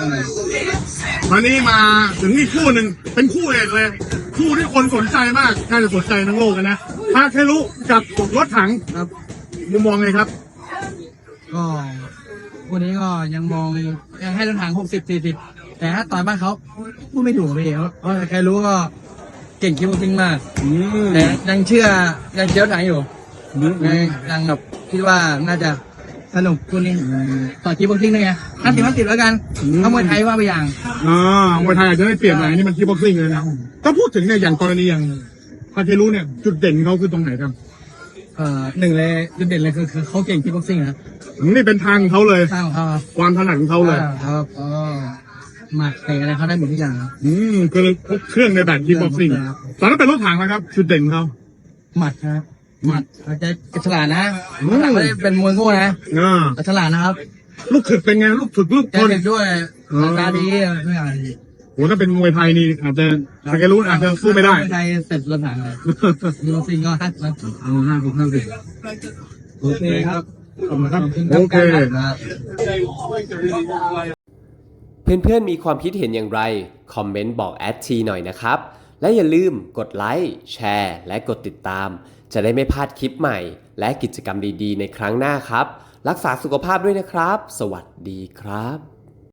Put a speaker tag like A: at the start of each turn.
A: วันนี้มาถึงอีกคู่หนึ่งเป็นคู่เอกเลย คู่ที่คนสนใจมากน่าจะสนใจทั้งโลกกันนะทาเครุกับรถถัง
B: ครับ
A: มุมมองไงครับ
B: ก็วันนี้ก็ยังมองยังให้รถถัง60-40แต่ถ้าต่อยบ้านเขาพูดไม่ถูกเลยเพราะใครรู้ก็เก่งคิวทิ้งมากแต่ยังเชื่อยังเชื่อรถถังอยู่ยังแบบคิดว่าน่าจะสนุกคุณนี้ต่อคิวทิ้งได้ไง50-50แล้วกันถ้ามวยไทยว่าไปอย่าง
A: มวยไทยอาจจะได้เปรียบหน่อยนี่มันคีบ็อกซิ่งเลยนะถ้าพูดถึงเนี่ยอย่างกรณีอย่างทาเครุเนี่ยจุดเด่นเขาคือตรงไหนครับ
B: หนึ่งเลยจุดเด่นเลยคือเขาเก่งคิวบ็อกซิ่งนะ
A: นี่เป็นทางของเขาเลย
B: สร้างของเขาครับ
A: ความถนัดของเขาเลย
B: ครับหมัดเตะอะไรเขาได้หมดทุกอย่างครับ
A: คือครบเครื่องในแบบคีบ็อกซิ่งตอนนั้นเป็นรถถังนะครับจุดเด่นของเขา
B: หมัดครับหมัดเขาจะฉลาดนะไม่ได้เป็นมวยโง่นะแต่ฉลาดนะครับ
A: ลูกถึกเป็นไงลูกถึกลูก
B: ใจ
A: ทน
B: เด็ดด้วยตาดีทุกอย่าง
A: โหถ้าเป็นมวยไทยนี่อาจจะทาเครุอาจจะสู้ไม่ได้
B: ไทยเสร็จรถถังเลยยูโรซิงก็50
A: เอา50
B: โอเคครับ
A: ขอบคุณครับโอเค
C: เพื่อนๆมีความคิดเห็นอย่างไร คอมเมนต์บอกแอดทีหน่อยนะครับ และอย่าลืมกดไลค์แชร์และกดติดตาม จะได้ไม่พลาดคลิปใหม่ และกิจกรรมดีๆในครั้งหน้าครับ รักษาสุขภาพด้วยนะครับ สวัสดีครับ